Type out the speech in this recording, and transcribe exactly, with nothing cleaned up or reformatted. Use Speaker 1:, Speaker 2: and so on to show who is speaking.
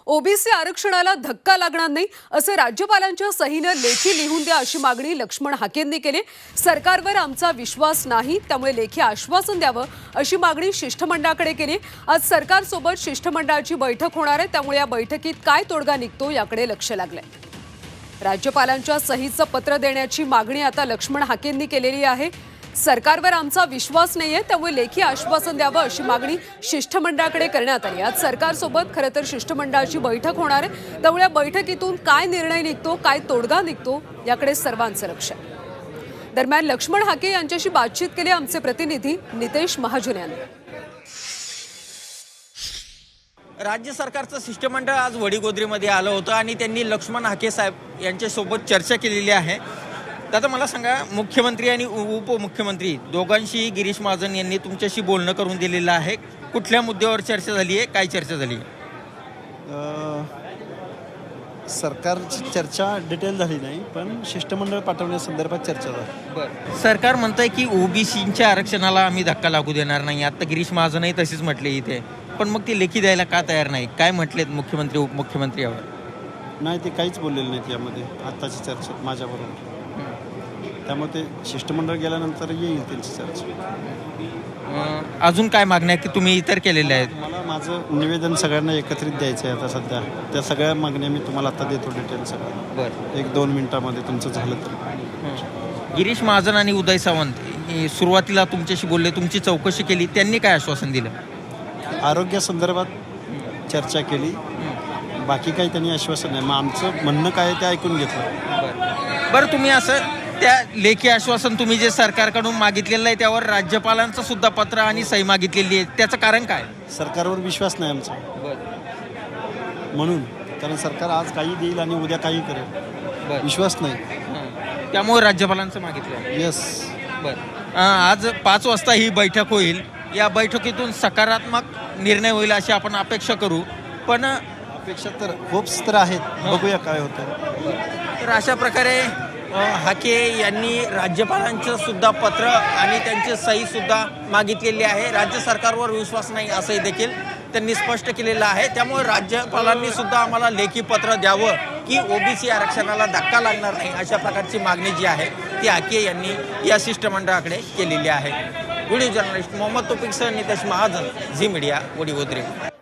Speaker 1: OBC आरक्षणाला धक्का लागणार नाही असं राज्यपालांच्या सहीनं लेखी लिहून द्या अशी मागणी लक्ष्मण हाकेंनी केली। सरकारवर आमचा विश्वास नाही त्यामुळे लेखी आश्वासन द्यावं अशी मागणी शिष्टमंडळाकडे केली। आज सरकारसोबत शिष्टमंडळाची बैठक होणार आहे त्यामुळे या बैठकीत काय तोडगा निघतो याकडे लक्ष लागलंय। राज्यपालांच्या सहीचं पत्र देण्याची मागणी आता लक्ष्मण हाकेंनी केलेली आहे। सरकारवर आमचा विश्वास नाहीये त्यामुळे लेखी आश्वासन द्यावं अशी मागणी शिष्टमंडळाकडे करण्यात आली। आज सरकारसोबत खरं तर शिष्टमंडळाची बैठक होणार आहे त्यामुळे या बैठकीतून काय निर्णय निघतो काय तोडगा निघतो याकडे सर्वांचं लक्ष आहे। दरम्यान लक्ष्मण हाके यांच्याशी बातचीत केली आमचे प्रतिनिधी नितेश महाजन यांनी।
Speaker 2: राज्य सरकारचं शिष्टमंडळ आज वडीगोद्रीमध्ये आलं होतं आणि त्यांनी लक्ष्मण हाके साहेब यांच्यासोबत चर्चा केलेली आहे। दादा मला सांगा, मुख्यमंत्री आणि उपमुख्यमंत्री दोघांशी गिरीश महाजन यांनी तुमच्याशी बोलणं करून दिलेलं आहे। कुठल्या मुद्द्यावर चर्चा झाली आहे, काय चर्चा झाली आहे?
Speaker 3: सरकारची चर्चा डिटेल झाली नाही पण शिष्टमंडळ पाठवण्यासंदर्भात चर्चा झाली।
Speaker 2: बरं, सरकार म्हणतंय की ओबीसीच्या आरक्षणाला आम्ही धक्का लागू देणार नाही। आता गिरीश महाजनही तसेच म्हटले इथे, पण मग ते लेखी द्यायला का तयार नाही? काय म्हटलेत मुख्यमंत्री उपमुख्यमंत्री यावर?
Speaker 3: नाही, ते काहीच बोललेले नाहीत यामध्ये आत्ताची चर्चेत माझ्याबरोबर। त्यामुळे ते शिष्टमंडळ गेल्यानंतर येईल त्यांची चर्चा।
Speaker 2: अजून काय मागण्या की तुम्ही इतर केलेल्या आहेत?
Speaker 3: मला माझं निवेदन सगळ्यांना एकत्रित द्यायचं आहे आता सध्या। त्या सगळ्या मागण्या मी तुम्हाला आता देतो डिटेल सगळं।
Speaker 2: बरं,
Speaker 3: एक दोन मिनिटामध्ये तुमचं झालं तर।
Speaker 2: गिरीश महाजन आणि उदय सावंत हे सुरुवातीला तुमच्याशी बोलले, तुमची चौकशी केली, त्यांनी काय आश्वासन दिलं?
Speaker 3: आरोग्यासंदर्भात चर्चा केली, बाकी काही त्यांनी आश्वासन नाही। मग आमचं म्हणणं काय आहे ते ऐकून घेतलं।
Speaker 2: बरं, तुम्ही असं त्या लेखी आश्वासन तुम्ही जे सरकारकडून मागितलेलं आहे त्यावर राज्यपालांचं सुद्धा पत्र आणि सही मागितलेली आहे, त्याचं कारण काय?
Speaker 3: सरकारवर विश्वास नाही आमचा म्हणून, कारण सरकार आज काही देईल आणि उद्या काही करेल, विश्वास नाही
Speaker 2: त्यामुळे राज्यपालांचं मागितलं।
Speaker 3: येस।
Speaker 2: बरं, आज पाच वाजता ही बैठक होईल, या बैठकीतून सकारात्मक निर्णय होईल अशी आपण अपेक्षा करू, पण
Speaker 3: अपेक्षा तर होप्स तर आहेत, बघूया काय होतं।
Speaker 2: तर अशा प्रकारे हाके यांनी राज्यपालांचं सुद्धा पत्र आणि त्यांची सही सुद्धा मागितलेली आहे। राज्य सरकारवर विश्वास नाही असंही देखील त्यांनी स्पष्ट केलेलं आहे। त्यामुळे राज्यपालांनी सुद्धा आम्हाला लेखी पत्र द्यावं की ओबीसी आरक्षणाला धक्का लागणार नाही अशा प्रकारची मागणी जी आहे ती हाके यांनी या शिष्टमंडळाकडे केलेली आहे। व्हिडिओ जर्नलिस्ट मोहम्मद तौफिकसह नितेश महाजन, झी मीडिया, वडीगोद्री।